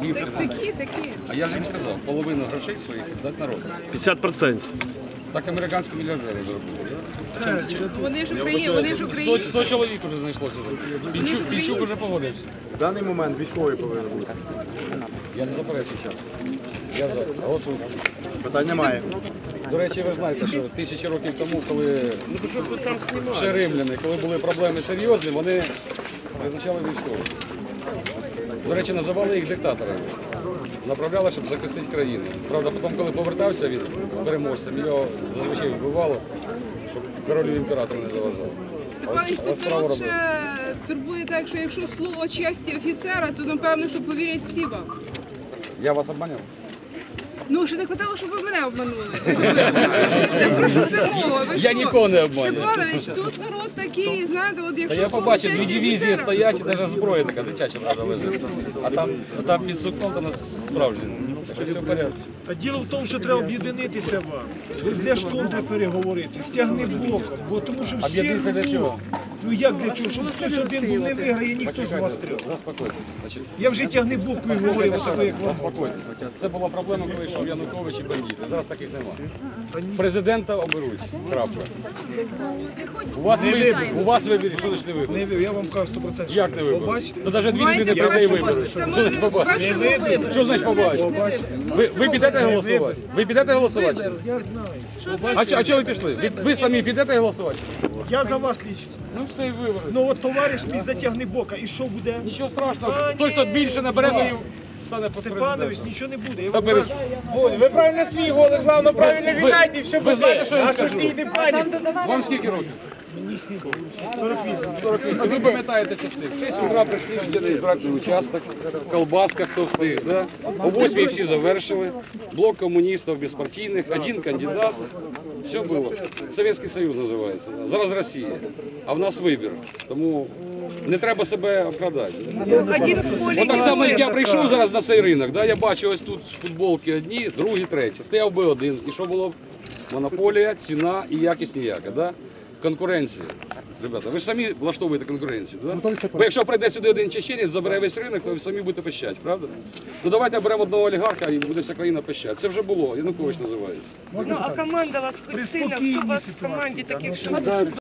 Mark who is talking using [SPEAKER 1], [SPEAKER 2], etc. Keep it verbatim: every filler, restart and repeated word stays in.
[SPEAKER 1] Які
[SPEAKER 2] Так, такі, такі.
[SPEAKER 1] А я ж їм сказав, половину грошей своїх дати народу.
[SPEAKER 3] п'ятдесят відсотків.
[SPEAKER 1] Так американські мільярдери зробили.
[SPEAKER 2] Вони ж Україні, вони ж
[SPEAKER 1] сто,
[SPEAKER 2] Україні.
[SPEAKER 1] сто чоловік вже знайшлося. Пінчук, Пінчук вже погодився.
[SPEAKER 4] В даний момент військовий повинен бути.
[SPEAKER 1] Я не заперечую зараз. Я за. Голосую.
[SPEAKER 4] Питань немає.
[SPEAKER 1] До речі, ви знаєте, що тисячі років тому, коли
[SPEAKER 3] Ну то що ви там
[SPEAKER 1] ще
[SPEAKER 3] знімаєте?
[SPEAKER 1] римляни, коли були проблеми серйозні, вони призначали військових. До речі, називали їх диктаторами. Направляли, щоб захистити країну. Правда, потім, коли повертався від переможцем, його зазвичай вбивало, щоб королю імператору не заважав.
[SPEAKER 2] Степанович,
[SPEAKER 1] Але
[SPEAKER 2] тут
[SPEAKER 1] справу
[SPEAKER 2] народ
[SPEAKER 1] робили.
[SPEAKER 2] ще турбує так, що якщо слово честі офіцера, то напевно, що повірять всі вам.
[SPEAKER 1] Я вас обманював?
[SPEAKER 2] Ну, ще не хотіло, щоб ви мене обманули. Це про що це мова? Ви
[SPEAKER 1] Я
[SPEAKER 2] що?
[SPEAKER 1] нікого не обманюю.
[SPEAKER 2] Степанович, тут народ такий, знаєте, от
[SPEAKER 1] Та
[SPEAKER 2] якщо
[SPEAKER 1] я
[SPEAKER 2] слово
[SPEAKER 1] побачив,
[SPEAKER 2] честі
[SPEAKER 1] дві дивізії
[SPEAKER 2] офіцера-
[SPEAKER 1] стоять, і навіть зброя така дитяча, правда, лежить. А там, а там під сукном то нас справжні. Так що все в порядку.
[SPEAKER 5] А діло в тому, що треба об'єднатися вам. Де ж контри переговорити? Стягни блоком, бо тому що всі
[SPEAKER 1] Об'єднатися для чого?
[SPEAKER 5] Ну як для чого? Щоб хтось один був не виграє, ніхто з вас трьох.
[SPEAKER 1] Заспокойтесь. Значить,
[SPEAKER 5] Я вже тягни блоку і говорив, отако, як вам.
[SPEAKER 1] заспокойтесь. Це була проблема, коли йшов Янукович і бандити. Зараз таких немає. Президента оберуть. Крапка. У вас,
[SPEAKER 5] Не
[SPEAKER 1] вибір,
[SPEAKER 5] вибір.
[SPEAKER 1] у вас вибір, що значить не вибір?
[SPEAKER 5] Не вибір, я вам кажу сто процентів.
[SPEAKER 1] Як не вибір?
[SPEAKER 5] Побачите?
[SPEAKER 1] То навіть дві
[SPEAKER 2] Маєте
[SPEAKER 1] людини
[SPEAKER 2] право
[SPEAKER 1] прийде і
[SPEAKER 2] побачити.
[SPEAKER 1] виберуть.
[SPEAKER 2] Це
[SPEAKER 1] Що значить
[SPEAKER 2] ми
[SPEAKER 1] побачити?
[SPEAKER 2] бачимо
[SPEAKER 5] Не вибір.
[SPEAKER 1] Що значить побачити?
[SPEAKER 5] Побачите.
[SPEAKER 1] Ви, ви підете голосувати? Ви підете голосувати?
[SPEAKER 5] Я знаю.
[SPEAKER 1] А, чо- а чого ви пішли? Ви, ви самі підете голосувати?
[SPEAKER 5] Я за вас лічно.
[SPEAKER 1] Ну все, і вибори.
[SPEAKER 5] Ну от товариш мій затягни бока, і що буде?
[SPEAKER 1] Нічого страшного.
[SPEAKER 5] А,
[SPEAKER 1] Той, хто
[SPEAKER 5] ні.
[SPEAKER 1] більше набере,
[SPEAKER 5] Два.
[SPEAKER 1] той стане по
[SPEAKER 5] Степанович, нічого не буде. Я
[SPEAKER 1] Та
[SPEAKER 5] вам
[SPEAKER 1] перес-
[SPEAKER 5] кажу.
[SPEAKER 6] Ви правильно свій голос, главное, правильно
[SPEAKER 1] Ви-
[SPEAKER 6] віддайте, і все
[SPEAKER 1] ви знаєте,
[SPEAKER 6] буде.
[SPEAKER 1] що я
[SPEAKER 6] А
[SPEAKER 1] скажу?
[SPEAKER 6] що стійте пані?
[SPEAKER 1] Вам скільки років?
[SPEAKER 5] сорок вісім.
[SPEAKER 1] сорок вісім. Ви пам'ятаєте часи. В шість утра прийшли всі на избирательний участок, колбаска, хто встиг, да? О восьмій всі завершили, блок комуністів безпартійних, один кандидат, все було. Совєтський Союз називається, зараз Росія, а в нас вибір, тому не треба себе обкрадати.
[SPEAKER 2] Один в полі
[SPEAKER 1] От так
[SPEAKER 2] не
[SPEAKER 1] само, як я
[SPEAKER 2] воює.
[SPEAKER 1] прийшов зараз на цей ринок, да, я бачу ось тут футболки одні, другі, треті. Стояв би один. І що було б? Монополія, ціна і якість ніяка. Да? Конкуренція. Ребята, ви ж самі влаштовуєте конкуренцію. Да? Бо якщо прийде сюди один чеченець, забере весь ринок, то ви самі будете пищати, правда? Ну давайте беремо одного олігарха і буде вся країна пищати. Це вже було, Янукович називається.
[SPEAKER 7] Ну, а команда вас хоч сильна, хто у вас в команді таких, що